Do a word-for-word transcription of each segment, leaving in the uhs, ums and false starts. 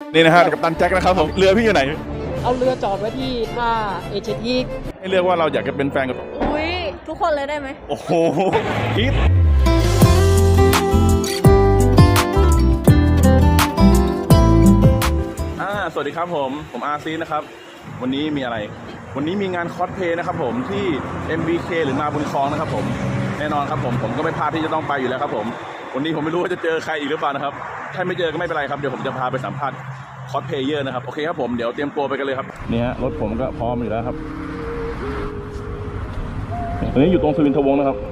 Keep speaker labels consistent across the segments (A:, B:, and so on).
A: นี่นะฮะกัปตันแจ็คนะครับผมเรือพี่อยู่ไหน
B: เอาเรือจอดไว้ที่ท่าเอเชียที
A: ให้เลือกว่าเราอยากจะเป็นแฟนกับ
C: อุ้ยทุกคนเลยได้ไหม
A: โอ้โหคิดอ่าสวัสดีครับผมผมอาร์ซีนะครับวันนี้มีอะไรวันนี้มีงานคอสเพลย์นะครับผมที่ เอ็ม บี เค หรือมาบุญคลองนะครับผมแน่นอนครับผมผมก็ไม่พลาดที่จะต้องไปอยู่แล้วครับผมวันนี้ผมไม่รู้ว่าจะเจอใครอีกหรือเปล่านะครับถ้าไม่เจอก็ไม่เป็นไรครับเดี๋ยวผมจะพาไปสัมภาษณ์คอสเพลเยอร์นะครับโอเคครับผมเดี๋ยวเตรียมตัวไปกันเลยครับนี่ฮะรถผมก็พร้อมอยู่แล้วครับตอนนี้อยู่ตรงสุวินทวงศ์นะครับ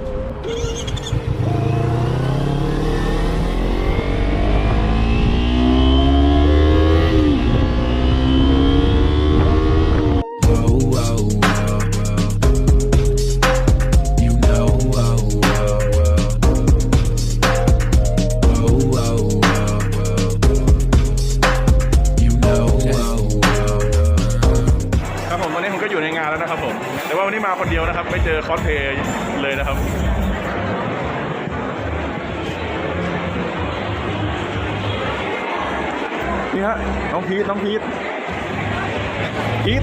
A: อยู่ในงานแล้วนะครับผมแต่ว่าวันนี้มาคนเดียวนะครับไม่เจอคอสเพลย์เลยนะครับนี่ฮะน้องพีทน้องพีทพีท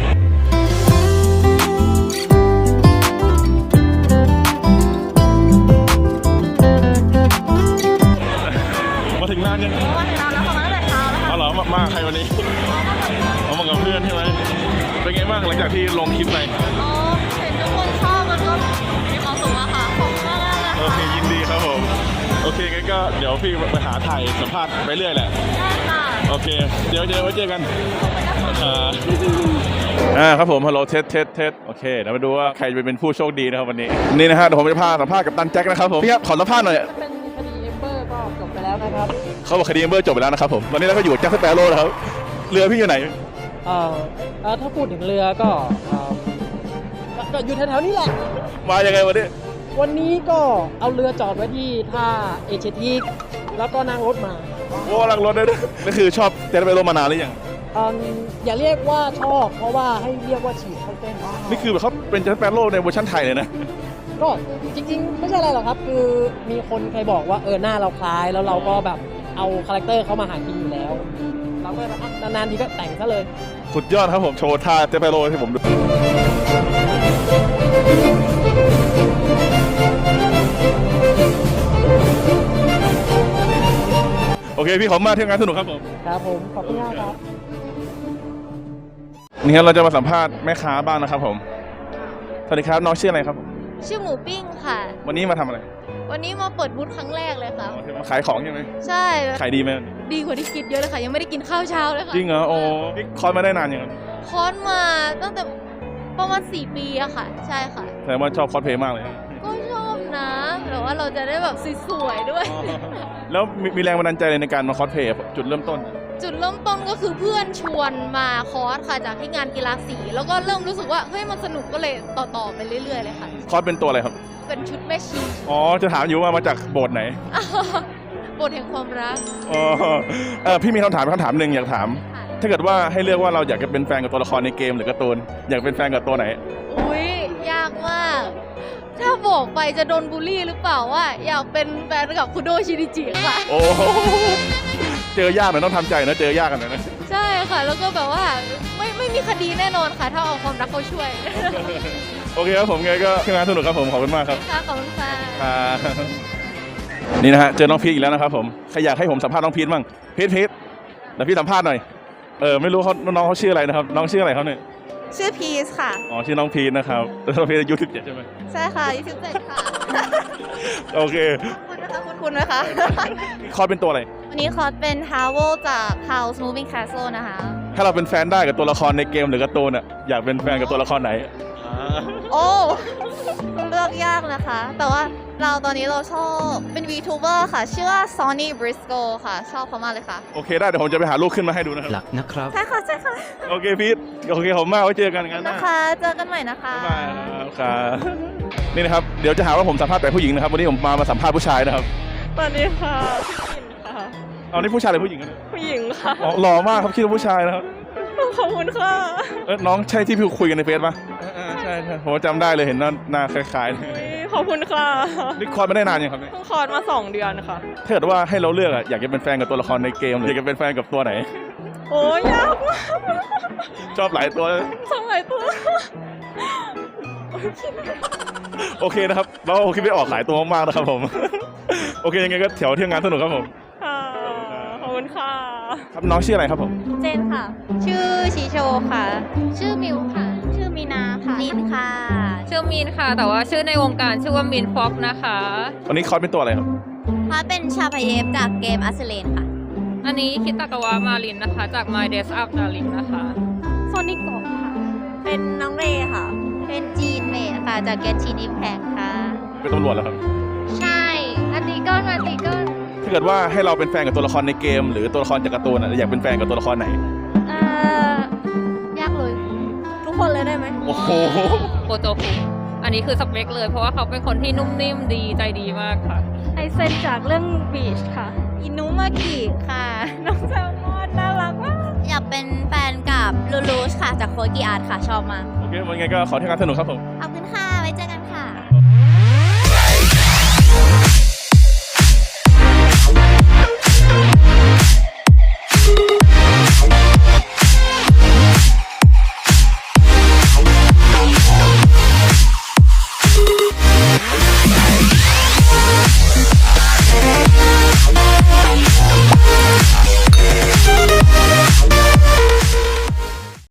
A: มาถึงงานยัง
C: มาถึงแล้วเขามาตั้งแต่เช้าแล้วค่ะ
A: เอาเหรอมาใครวันนี้เอามากับเพื่อนใช่ไหมเป็นไงบ้างหลังจากที่ลงคลิปไป
C: อ๋อเห็นทุกคนชอบมันก็มีความสุขอะค่ะขอบคุณมากเลย
A: โอเคยินดีครับผมโอเคงั้นก็เดี๋ยวพี่ไปหาถ่ายสัมภาษณ์ไปเรื่อยแหละ
C: ได้ค่ะ
A: โอเคเดี๋ยวเจอไว้เจอกันอ่าครับผมฮัลโหลเทสเทสเทสโอเคเดี๋ยวมาดูว่าใครจะเป็นผู้โชคดีนะครับวันนี้นี่นะฮะเดี๋ยวผมจะพาสัมภาษณ์กับตันแจ็คนะครับผมพี่ครับขอสัมภาษณ์หน่อย
B: เป็นคดีเอมเบอร์ก็จบไปแล้วนะครับ
A: เขาบอกคดีเอมเบอร์จบไปแล้วนะครับผมตอนนี้เราก็อยู่แจ็คสเปโร่นะครับเรือพี่อยู่ไหน
B: เอ่อถ้าพูดถึงเรือก็ก็อยู่แถวๆนี้แหละ
A: มายังไงวันนี้
B: วันนี้ก็เอาเรือจอดไว้ที่ท่าเอเชียทีแล้วก็นั่งรถมา
A: โอ้นั่งรถได้ด้วยนี่คือชอบแจ็คสเปโร่มานานหรือยัง
B: อย่าเรียกว่าชอบเพราะว่าให้เรียกว่าฉีดเข้าเส้น
A: นี่คือแบบเขาเป็นแจ็คสเปโร่ในเวอร์ชันไทยเลยนะ
B: ก็จริงๆไม่ใช่อะไรหรอกครับคือมีคนเคยบอกว่าเออหน้าเราคล้ายแล้วเราก็แบบเอาคาแรคเตอร์เขามาหากินอยู่แล้วเราก็นานๆทีก็แต่งซะเลย
A: สุดยอดครับผมโชว์ท่าเจเปโร่ให้ผมดูโอเคพี่ขอบคุณมากที่งานสนุกครับผม
B: ครับผมขอบคุณมากครับ
A: นี่ครับเราจะมาสัมภาษณ์แม่ค้าบ้างนะครับผมสวัสดีครับน้องชื่ออะไรครับ
C: ชื่อหมูปิ้งค่ะ
A: วันนี้มาทำอะไร
C: วันนี้มาเปิดบูธครั้งแรกเลยค่ะ
A: มาขายของใช่ไหม
C: ใช่
A: ขายดีไหม
C: ดีกว่าที่คิดเยอะเลยค่ะยังไม่ได้กินข้าวเช้าเลยค่ะ
A: จริงเหรอโอ้นี่คอร์สมาได้นานยัง
C: คอร์สมาตั้งแต่ประมาณสี่ปีอะค่ะใช่ค่ะ
A: แต่ว่าชอบคอสเพลย์มากเลย
C: ก็ชอบนะแต่ว่าเราจะได้แบบสวยๆด้วย
A: แล้วมีแรงบันดาลใจในการมาคอสเพลย์จุดเริ่มต้น
C: จุดเริ่มต้นก็คือเพื่อนชวนมาคอร์สค่ะจากที่งานกีฬาสีแล้วก็เริ่มรู้สึกว่าเฮ้ยมันสนุกก็เลยต่อๆไปเรื่อยๆเลยค่ะ
A: คอร์สเป็นตัวอะไรครับ
C: เป็นชุดแม่ชี
A: อ๋อจะถามอยู่ว่ามาจากโบสถ์ไหน
C: โบสถ์แห่งความรัก
A: อ๋อเออพี่มีคำถามคำถามหนึ่งอยากถามถ้าเกิดว่าให้เลือกว่าเราอยากจะเป็นแฟนกับตัวละครในเกมหรือการ์ตูนอยากเป็นแฟนกับตัวไหน
C: อุ้ยยากมากถ้าบอกไปจะโดนบูลลี่หรือเปล่าว่าอยากเป็นแฟนกับคุโดชินิจิค่ะ
A: โอ้เจอยากหน่อยต้องทำใจนะเจอยากกันหน่อยนะ
C: ใช่ค่ะแล้วก็แบบว่าไม่ไม่มีคดีแน่นอนค่ะถ้าเอาความรักเขาช่วย
A: โอเคครับผมไงก็งานสนุกครับผมขอบคุณมากครับ
C: ค่ะขอบคุณค่ะ
A: นี่นะฮะเจอน้องพีทอีกแล้วนะครับผมใครอยากให้ผมสัมภาษณ์น้องพีทบ้างพีทพีทเดี๋ยวพี่สัมภาษณ์หน่อยเออไม่รู้เขาน้องเขาชื่ออะไรนะครับน้องชื่ออะไรเขาเนี่ย
C: ชื่อพีทค่ะ
A: อ๋อชื่อน้องพีทนะครับน้องพีทอายุสิบเจ็ดใช่ไหม
C: ใช่ค่ะอายุสิบเจ็ดค่ะ
A: โอเค
C: คุณนะคะคุณคุณนะคะ
A: คอร์สเป็นตัวอะไร
C: วันนี้คอร์สเป็น Howl จาก House Moving Castle นะคะ
A: ถ้าเราเป็นแฟนได้กับตัวละครในเกมหรือการ์ตูนอ่ะอยากเป็นแฟนกับตัวละครไหน
C: โอ้เลือกยากนะคะแต่ว่าเราตอนนี้เราชอบเป็น VTuber ค่ะชื่อว่า Sonny Briscoe ค่ะชอบเขามากเลยค่ะ
A: โอเคได้เดี๋ยวผมจะไปหารูปขึ้นมาให้ดูนะครับ
B: หลักนะครับ
C: ใช่ค่ะใช่ค่ะ
A: โอเคพีทโอเคผมมากไว้เจอกันกัน
C: นะคะเจอกันใหม่นะคะ
A: บ๊ายบายครับนี่นะครับเดี๋ยวจะหาว่าผมสัมภาษณ์แต่ผู้หญิงนะครับวันนี้ผมมามาสัมภาษณ์ผู้ชายนะครับ
D: สวัสดีค่ะพี่ปิ่นค่ะ
A: เอานี่ผู้ชายหรือผู้หญิงกัน
D: ผู้หญิงค่ะ
A: อ๋อหล่อมากครับคิดว่าผู้ชายนะครับ
D: ขอบคุณค่ะ
A: เออน้องใช่ที่พี่คุยกันในเฟซป่ะใช่ใช่ผมจำได้เลยเห็นหน้าหน้าคล้าย
D: ๆขอบคุณค่ะ
A: นี่คอร์สไม่ได้นานยังครับเนี่ย
D: เพิ่งคลอดมาสองเดือนค่ะ
A: ถ้าเกิดว่าให้เราเลือกอะอยากจะเป็นแฟนกับตัวละครในเกมหรืออยากจะเป็นแฟนกับตัวไหน
D: โอ้ยยากมาก
A: ชอบหลายตัว
D: สมัยตัว
A: โอเคนะครับเราคิดไม่ออกหลายตัวมากๆนะครับผม โอเคยังไงก็แถวเที่ยวงานสนุกครับผม
D: ค่ะ ขอบคุณค่ะ
A: ครับน้องชื่ออะไรครับผม
C: เจนค่ะ ชื่อชีโชค่ะ ชื่อมิวค่ะ ชื่อมีนาค่ะลินค่ะ
E: ชื่อมีนค่ะ แต่ว่าชื่อในวงการชื่อว่ามีนฟ็อกนะคะ
A: วันนี้คอร์สเป็นตัวอะไรครับ
C: พาเป็นชาพเยฟจากเกมอัสเลนค่ะ
E: อันนี้คิตากาวะมารินนะคะ จาก My Days Up Darling นะคะ
C: โซนิโกะค่ะ เป็นน้องเรค่ะ เป็นจีนเมดค่ะ จากเกนชินอิมแพคค่ะ
A: เป็นตำรวจแล้วครับ
C: ใช่ อันนี้ก็อันนี้ก็
A: ถ้าเกิดว่าให้เราเป็นแฟนกับตัวละครในเกม หรือตัวละครจากการ์ตูนอะอยากเป็นแฟนกับตัวละครไหน
C: เอ่อยากเลย ทุกคนเลยได้ไหม
A: โอ้โห
E: โคโจคุ อันนี้คือสเปคเลย เพราะว่าเขาเป็นคนที่นุ่มนิ่มดีใจดีมากค่ะ
D: ไอเซนจากเรื่องบีชค่ะ
C: อินุมากิค่ะ
D: น้องแซลมอนน่ารักมาก
C: อยากเป็นแฟนกับลูลูชค่ะ จากโคกิอาร์ตค่ะ ชอบมาก
A: โอเควันไงก็ขอเที่ยวงานสนุกครับผม
C: ขอบ